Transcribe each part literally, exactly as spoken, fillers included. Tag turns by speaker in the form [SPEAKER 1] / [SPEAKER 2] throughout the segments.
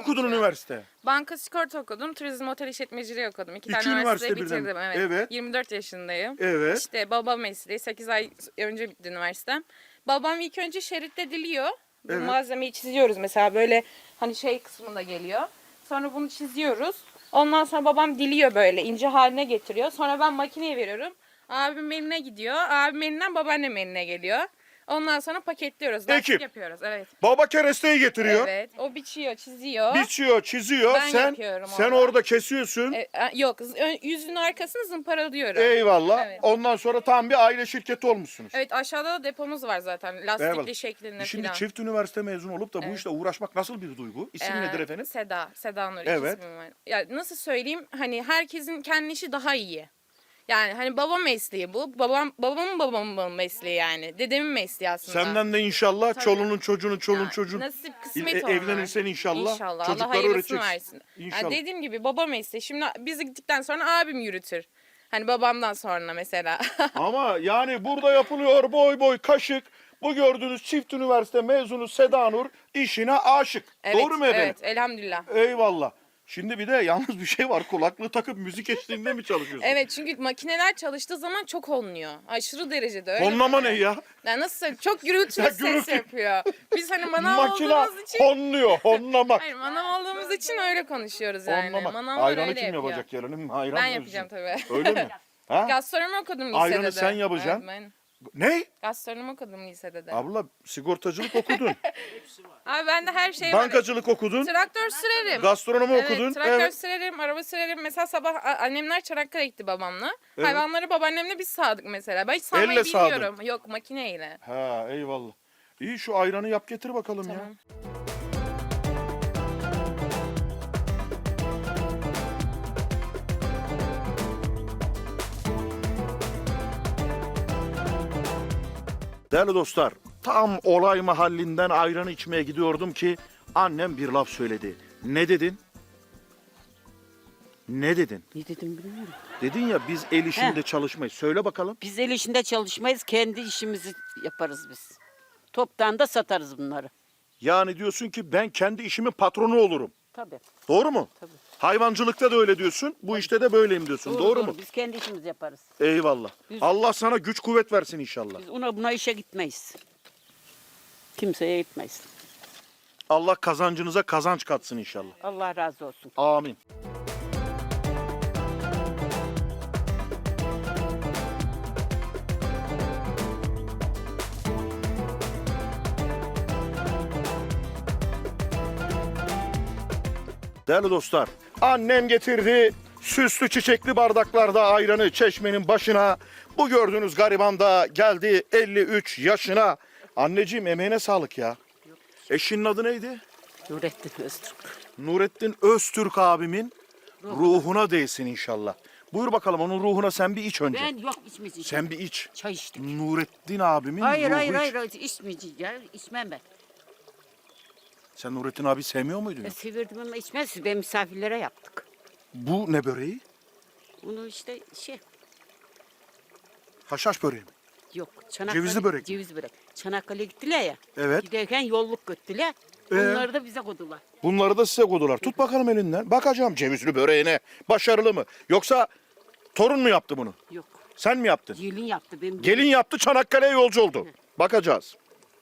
[SPEAKER 1] okudun üniversite?
[SPEAKER 2] Banka sigorta okudum. Turizm otel işletmeciliği okudum. İki,
[SPEAKER 1] İki
[SPEAKER 2] tane üniversite
[SPEAKER 1] üniversite
[SPEAKER 2] bitirdim.
[SPEAKER 1] birden.
[SPEAKER 2] Evet.
[SPEAKER 1] Evet.
[SPEAKER 2] yirmi dört yaşındayım.
[SPEAKER 1] Evet.
[SPEAKER 2] İşte baba mesleği. sekiz ay önce bitti üniversitem. Babam ilk önce şeritte diliyor. Bu
[SPEAKER 1] Evet.
[SPEAKER 2] malzemeyi çiziyoruz mesela böyle hani şey kısmında geliyor. Sonra bunu çiziyoruz. Ondan sonra babam diliyor böyle ince haline getiriyor. Sonra ben makineye veriyorum. Abim eline gidiyor. Abim elinden babaannem eline geliyor. Ondan sonra paketliyoruz. Lastik
[SPEAKER 1] Ekip.
[SPEAKER 2] yapıyoruz. Evet.
[SPEAKER 1] Baba keresteyi getiriyor.
[SPEAKER 2] Evet. O biçiyor, çiziyor.
[SPEAKER 1] Biçiyor, çiziyor.
[SPEAKER 2] Ben
[SPEAKER 1] sen
[SPEAKER 2] yapıyorum
[SPEAKER 1] sen
[SPEAKER 2] orada.
[SPEAKER 1] orada kesiyorsun.
[SPEAKER 2] E, a- yok, ön- yüzünün arkasını zımparalıyorum.
[SPEAKER 1] Eyvallah.
[SPEAKER 2] Evet.
[SPEAKER 1] Ondan sonra tam bir aile şirketi olmuşsunuz.
[SPEAKER 2] Evet, aşağıda da depomuz var zaten. Lastikli
[SPEAKER 1] Eyvallah.
[SPEAKER 2] şeklinde
[SPEAKER 1] Şimdi
[SPEAKER 2] falan.
[SPEAKER 1] çift üniversite mezunu olup da bu
[SPEAKER 2] Evet.
[SPEAKER 1] işle uğraşmak nasıl bir duygu? İsim
[SPEAKER 2] Ee,
[SPEAKER 1] nedir efendim?
[SPEAKER 2] Seda, Seda Nur.
[SPEAKER 1] Evet.
[SPEAKER 2] Evet. ismim var. Ya nasıl söyleyeyim? Hani herkesin kendi işi daha iyi. Yani hani baba mesleği bu. Babam babamın babamın mesleği yani. Dedemin mesleği aslında.
[SPEAKER 1] Senden de inşallah
[SPEAKER 2] Tabii.
[SPEAKER 1] çolunun çocuğunun çolun
[SPEAKER 2] Yani
[SPEAKER 1] çocuğun
[SPEAKER 2] nasip kısmet
[SPEAKER 1] e-
[SPEAKER 2] onlar.
[SPEAKER 1] evlenirsen inşallah,
[SPEAKER 2] İnşallah.
[SPEAKER 1] çocukları
[SPEAKER 2] Allah hayırlısını
[SPEAKER 1] öğreteceksin.
[SPEAKER 2] versin.
[SPEAKER 1] İnşallah.
[SPEAKER 2] Yani dediğim gibi baba mesleği. Şimdi biz gittikten sonra abim yürütür. Hani babamdan sonra mesela.
[SPEAKER 1] Ama yani burada yapılıyor boy boy kaşık. Bu gördüğünüz çift üniversite mezunu Seda Nur işine aşık.
[SPEAKER 2] Evet,
[SPEAKER 1] Doğru mu efendim?
[SPEAKER 2] Evet, elhamdülillah.
[SPEAKER 1] Eyvallah. Şimdi bir de yalnız bir şey var. Kulaklığı takıp müzik eşliğinde mi çalışıyorsun?
[SPEAKER 2] Evet, çünkü makineler çalıştığı zaman çok honluyor. Aşırı derecede öyle.
[SPEAKER 1] Honlama ne
[SPEAKER 2] böyle.
[SPEAKER 1] ya?
[SPEAKER 2] Yani nasıl söyleyeyim? Çok gürültülü
[SPEAKER 1] Ya
[SPEAKER 2] ses
[SPEAKER 1] gürültü.
[SPEAKER 2] yapıyor. Biz hani manav
[SPEAKER 1] Makina
[SPEAKER 2] olduğumuz için...
[SPEAKER 1] honluyor. Honlamak.
[SPEAKER 2] Hayır, manav olduğumuz için öyle konuşuyoruz yani.
[SPEAKER 1] Honlamak.
[SPEAKER 2] Manavlar
[SPEAKER 1] Ayranı
[SPEAKER 2] öyle
[SPEAKER 1] kim
[SPEAKER 2] yapıyor.
[SPEAKER 1] yapacak yarın? Ayran
[SPEAKER 2] Ben
[SPEAKER 1] mı
[SPEAKER 2] yapacağım
[SPEAKER 1] özleyeceksin?
[SPEAKER 2] tabii.
[SPEAKER 1] Öyle mi? Ha?
[SPEAKER 2] Gastronomi okudum lisede
[SPEAKER 1] Ayranı
[SPEAKER 2] de.
[SPEAKER 1] sen yapacaksın.
[SPEAKER 2] Evet, ben
[SPEAKER 1] Ne?
[SPEAKER 2] gastronomi okudum lisede de.
[SPEAKER 1] Abla sigortacılık okudun.
[SPEAKER 2] Abi bende her şey var.
[SPEAKER 1] Bankacılık okudun.
[SPEAKER 2] Traktör sürerim.
[SPEAKER 1] Gastronomi
[SPEAKER 2] Evet,
[SPEAKER 1] okudun.
[SPEAKER 2] traktör
[SPEAKER 1] Evet.
[SPEAKER 2] sürerim, araba sürerim. Mesela sabah a- annemler Çanakkale'ye gitti babamla.
[SPEAKER 1] Evet.
[SPEAKER 2] Hayvanları babaannemle biz sağdık mesela. Ben hiç sağmayı
[SPEAKER 1] Elle sağdın.
[SPEAKER 2] bilmiyorum. Yok, makineyle.
[SPEAKER 1] Ha eyvallah. İyi şu ayranı yap getir bakalım ya.
[SPEAKER 2] Tamam.
[SPEAKER 1] Değerli dostlar, tam olay mahallinden ayranı içmeye gidiyordum ki annem bir laf söyledi. Ne dedin? Ne dedin?
[SPEAKER 3] Ne dedim bilmiyorum.
[SPEAKER 1] Dedin ya biz el işinde
[SPEAKER 3] He.
[SPEAKER 1] çalışmayız. Söyle bakalım.
[SPEAKER 3] Biz el işinde çalışmayız, kendi işimizi yaparız biz. Toptan da satarız bunları.
[SPEAKER 1] Yani diyorsun ki ben kendi işimin patronu olurum.
[SPEAKER 3] Tabii.
[SPEAKER 1] Doğru mu?
[SPEAKER 3] Tabii.
[SPEAKER 1] Hayvancılıkta da öyle diyorsun. Bu işte de böyleyim diyorsun. Doğru, mu?
[SPEAKER 3] Biz kendi işimizi yaparız.
[SPEAKER 1] Eyvallah.
[SPEAKER 3] Biz-
[SPEAKER 1] Allah sana güç kuvvet versin inşallah.
[SPEAKER 3] Biz ona buna işe gitmeyiz. Kimseye gitmeyiz.
[SPEAKER 1] Allah kazancınıza kazanç katsın inşallah.
[SPEAKER 3] Allah razı olsun.
[SPEAKER 1] Amin. Değerli dostlar, annem getirdi süslü çiçekli bardaklarda ayranı çeşmenin başına. Bu gördüğünüz gariban da geldi elli üç yaşına. Anneciğim emeğine sağlık ya. Eşinin adı neydi?
[SPEAKER 3] Nurettin Öztürk.
[SPEAKER 1] Nurettin Öztürk abimin ruhuna değsin inşallah. Buyur bakalım onun ruhuna sen bir iç önce.
[SPEAKER 3] Ben yok içmeyeceğim.
[SPEAKER 1] Sen bir iç.
[SPEAKER 3] Çay içtik.
[SPEAKER 1] Nurettin abimin
[SPEAKER 3] Hayır
[SPEAKER 1] ruhu
[SPEAKER 3] hayır
[SPEAKER 1] iç.
[SPEAKER 3] hayır hayır içmeyeceğim ya. İçmem ben.
[SPEAKER 1] Sen Nurettin abi sevmiyor muydun?
[SPEAKER 3] Ben severdim ama içmez. Ben misafirlere yaptık.
[SPEAKER 1] Bu ne böreği?
[SPEAKER 3] Onu işte şey
[SPEAKER 1] Haşhaş böreği mi?
[SPEAKER 3] yok. Çanakkale,
[SPEAKER 1] Cevizli börek.
[SPEAKER 3] Ceviz börek. Çanakkale'ye gittiler ya.
[SPEAKER 1] Evet.
[SPEAKER 3] Giderken yolluk götürdüler.
[SPEAKER 1] Ee?
[SPEAKER 3] Onları da bize koydular.
[SPEAKER 1] Bunları da size koydular. Tut bakalım elinden. Bakacağım cevizli böreğine. Başarılı mı? Yoksa torun mu yaptı bunu?
[SPEAKER 3] Yok.
[SPEAKER 1] Sen mi yaptın?
[SPEAKER 3] Gelin yaptı. Benim
[SPEAKER 1] Gelin yaptı Çanakkale'ye yolcu oldu. Bakacağız.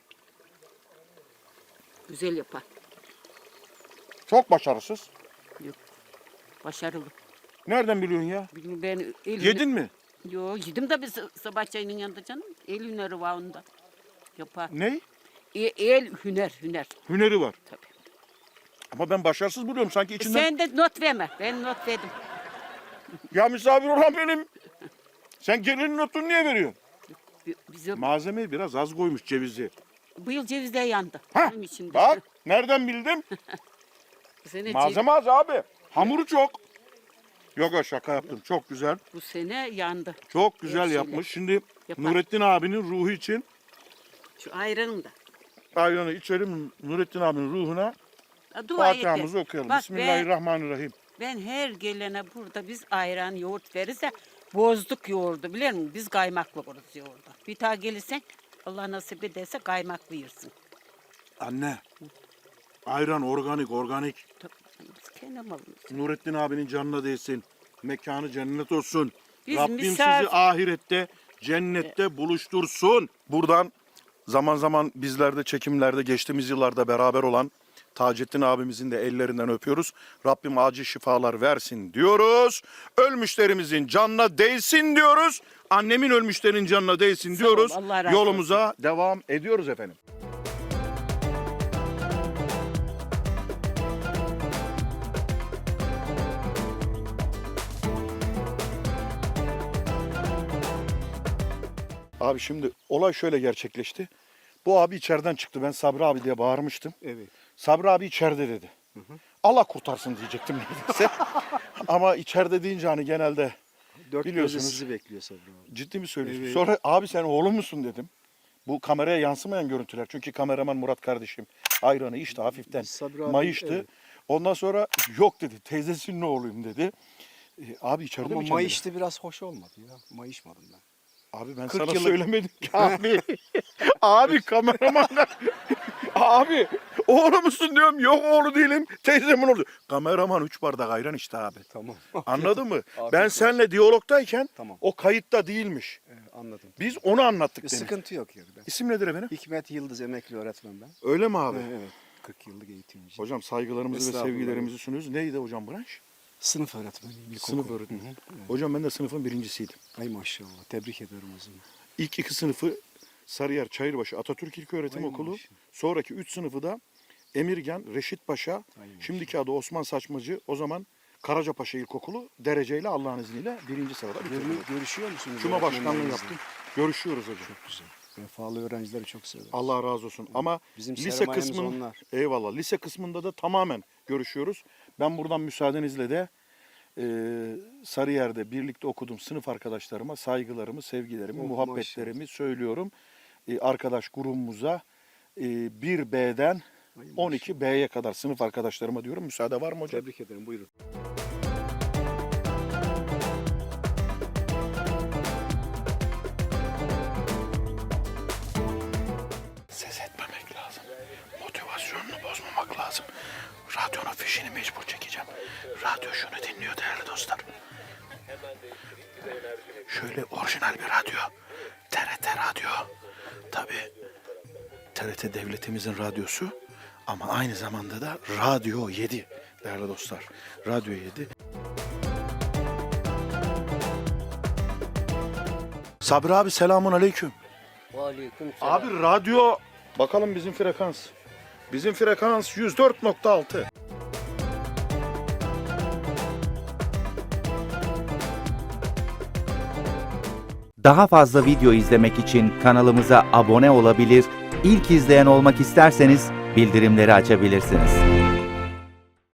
[SPEAKER 3] güzel yapar.
[SPEAKER 1] Çok başarısız.
[SPEAKER 3] Yok. Başarılı.
[SPEAKER 1] Nereden biliyorsun ya?
[SPEAKER 3] Bilmiyorum ben el
[SPEAKER 1] Yedin mi?
[SPEAKER 3] Yo yedim de biz sabah çayının yanında canım. El hüneri var onda. Yapar.
[SPEAKER 1] Ne?
[SPEAKER 3] E, el hüner hüner.
[SPEAKER 1] Hüneri var.
[SPEAKER 3] Tabii.
[SPEAKER 1] Ama ben başarısız buluyorum sanki içinden.
[SPEAKER 3] Sen de not verme. Ben not verdim.
[SPEAKER 1] Ya misafir olan benim. Sen gelinin notunu niye veriyorsun?
[SPEAKER 3] Bi- Bize
[SPEAKER 1] Malzemeyi biraz az koymuş cevizi.
[SPEAKER 3] bu yıl cevizler yandı.
[SPEAKER 1] Hah,
[SPEAKER 3] Benim içinde.
[SPEAKER 1] bak nereden bildim?
[SPEAKER 3] Bu sene, cev-
[SPEAKER 1] Malzeme az abi. Hamuru çok. Yok ya şaka yaptım. Çok güzel.
[SPEAKER 3] bu sene yandı.
[SPEAKER 1] Çok güzel
[SPEAKER 3] Hepsiyle.
[SPEAKER 1] yapmış. Şimdi
[SPEAKER 3] Yapar.
[SPEAKER 1] Nurettin abinin ruhu için
[SPEAKER 3] Şu ayranım da.
[SPEAKER 1] ayranı içelim. Nurettin abinin ruhuna
[SPEAKER 3] Ha, dua et.
[SPEAKER 1] Fatiha'mızı okuyalım.
[SPEAKER 3] Bak,
[SPEAKER 1] Bismillahirrahmanirrahim.
[SPEAKER 3] Ben her gelene burada biz ayran yoğurt verirse bozduk yoğurdu biliyor musun? Biz kaymaklı kuruz yoğurdu. Bir daha gelirsen Allah nasip ederse kaymaklı yersin.
[SPEAKER 1] Anne. Ayran organik organik.
[SPEAKER 3] Tabii, biz kendi malımız.
[SPEAKER 1] Nurettin abinin canına değsin. Mekanı cennet olsun.
[SPEAKER 3] Biz
[SPEAKER 1] Rabbim
[SPEAKER 3] misafir-
[SPEAKER 1] sizi ahirette, cennette buluştursun. Buradan zaman zaman bizlerde çekimlerde geçtiğimiz yıllarda beraber olan Taceddin abimizin de ellerinden öpüyoruz. Rabbim acil şifalar versin diyoruz. Ölmüşlerimizin canına değsin diyoruz. Annemin ölmüşlerin canına değsin
[SPEAKER 3] Sağ ol,
[SPEAKER 1] diyoruz.
[SPEAKER 3] Allah razı
[SPEAKER 1] Yolumuza devam ediyoruz efendim. Abi şimdi olay şöyle gerçekleşti. Bu abi içeriden çıktı. Ben Sabri abi diye bağırmıştım.
[SPEAKER 4] Evet.
[SPEAKER 1] Sabri abi içeride dedi. Allah kurtarsın diyecektim neredeyse. Ama içeride deyince hani genelde
[SPEAKER 4] Dört
[SPEAKER 1] biliyorsunuz.
[SPEAKER 4] gözle sizi bekliyor Sabri abi.
[SPEAKER 1] ciddi mi söylüyorsun?
[SPEAKER 4] Evet.
[SPEAKER 1] Sonra abi sen oğlum musun dedim. Bu kameraya yansımayan görüntüler. Çünkü kameraman Murat kardeşim ayranı içti hafiften.
[SPEAKER 4] Sabri abi,
[SPEAKER 1] Mayıştı.
[SPEAKER 4] evet.
[SPEAKER 1] Ondan sonra yok dedi. Teyzesinin oğluyum dedi. E, abi içeride
[SPEAKER 4] Ama
[SPEAKER 1] mi kendine?
[SPEAKER 4] mayıştı biraz hoş olmadı ya. Mayışmadım ben.
[SPEAKER 1] Abi ben
[SPEAKER 4] kırk
[SPEAKER 1] sana
[SPEAKER 4] yıllık-
[SPEAKER 1] söylemedim ki abi. Abi kameramanlar. Abi oğlu musun diyorum. Yok oğlu değilim. Teyzemin oğlu. Kameraman üç bardak ayran içti abi.
[SPEAKER 4] Tamam.
[SPEAKER 1] Anladın mı?
[SPEAKER 4] Afiyet
[SPEAKER 1] Ben
[SPEAKER 4] olsun.
[SPEAKER 1] seninle diyalogdayken
[SPEAKER 4] Tamam.
[SPEAKER 1] o kayıtta değilmiş.
[SPEAKER 4] Ee, anladım.
[SPEAKER 1] Biz onu anlattık
[SPEAKER 4] Bir
[SPEAKER 1] demin.
[SPEAKER 4] sıkıntı yok yani. Ben.
[SPEAKER 1] İsim nedir efendim?
[SPEAKER 4] Hikmet Yıldız emekli öğretmen ben.
[SPEAKER 1] Öyle mi abi?
[SPEAKER 4] Ee, evet. kırk yıllık eğitimci.
[SPEAKER 1] Hocam saygılarımızı ve
[SPEAKER 4] Estağfurullah.
[SPEAKER 1] sevgilerimizi sunuyoruz. Neydi hocam branş?
[SPEAKER 4] Sınıf öğretmeniyim. ilkokul.
[SPEAKER 1] Sınıf öğretmeni.
[SPEAKER 4] Hı hı, evet.
[SPEAKER 1] Hocam ben de sınıfın birincisiydim.
[SPEAKER 4] Ay maşallah. Tebrik ederim o zaman.
[SPEAKER 1] İlk iki sınıfı Sarıyer Çayırbaşı Atatürk İlköğretim
[SPEAKER 4] Ay
[SPEAKER 1] Okulu.
[SPEAKER 4] maşallah.
[SPEAKER 1] Sonraki üç sınıfı da Emirgan, Reşit Paşa,
[SPEAKER 4] Ay maşallah.
[SPEAKER 1] şimdiki adı Osman Saçmacı, o zaman Karacapaşa İlkokulu dereceyle Allah'ın izniyle birinci sırada bitirdim.
[SPEAKER 4] Görü- görüşüyor musunuz?
[SPEAKER 1] Cuma başkanlığı
[SPEAKER 4] öğretmenlerinizle?
[SPEAKER 1] yaptım. Görüşüyoruz hocam.
[SPEAKER 4] Çok güzel. Vefalı öğrencileri çok seviyorum.
[SPEAKER 1] Allah razı olsun. Ama
[SPEAKER 4] Bizim
[SPEAKER 1] lise
[SPEAKER 4] sermayemiz
[SPEAKER 1] kısmın
[SPEAKER 4] onlar.
[SPEAKER 1] eyvallah. Lise kısmında da tamamen görüşüyoruz. Ben buradan müsaadenizle de e, Sarıyer'de birlikte okuduğum sınıf arkadaşlarıma saygılarımı, sevgilerimi,
[SPEAKER 4] Oh,
[SPEAKER 1] muhabbetlerimi söylüyorum. E, arkadaş grubumuza e, bir B'den
[SPEAKER 4] Ay
[SPEAKER 1] on iki B'ye kadar sınıf arkadaşlarıma diyorum. Müsaade var mı hocam?
[SPEAKER 4] Tebrik ederim. Buyurun.
[SPEAKER 1] Ses etmemek lazım. Motivasyonunu bozmamak lazım. Radyonun fişini mecbur çekeceğim. Radyo şunu dinliyor değerli dostlar. Şöyle orijinal bir radyo. T R T radyo. Tabii T R T devletimizin radyosu ama aynı zamanda da Radyo yedi değerli dostlar. Radyo yedi. Sabri abi selamun aleyküm.
[SPEAKER 5] Aleyküm
[SPEAKER 1] Abi radyo bakalım bizim frekans. Bizim frekans yüz dört nokta altı.
[SPEAKER 6] Daha fazla video izlemek için kanalımıza abone olabilir, ilk izleyen olmak isterseniz bildirimleri açabilirsiniz.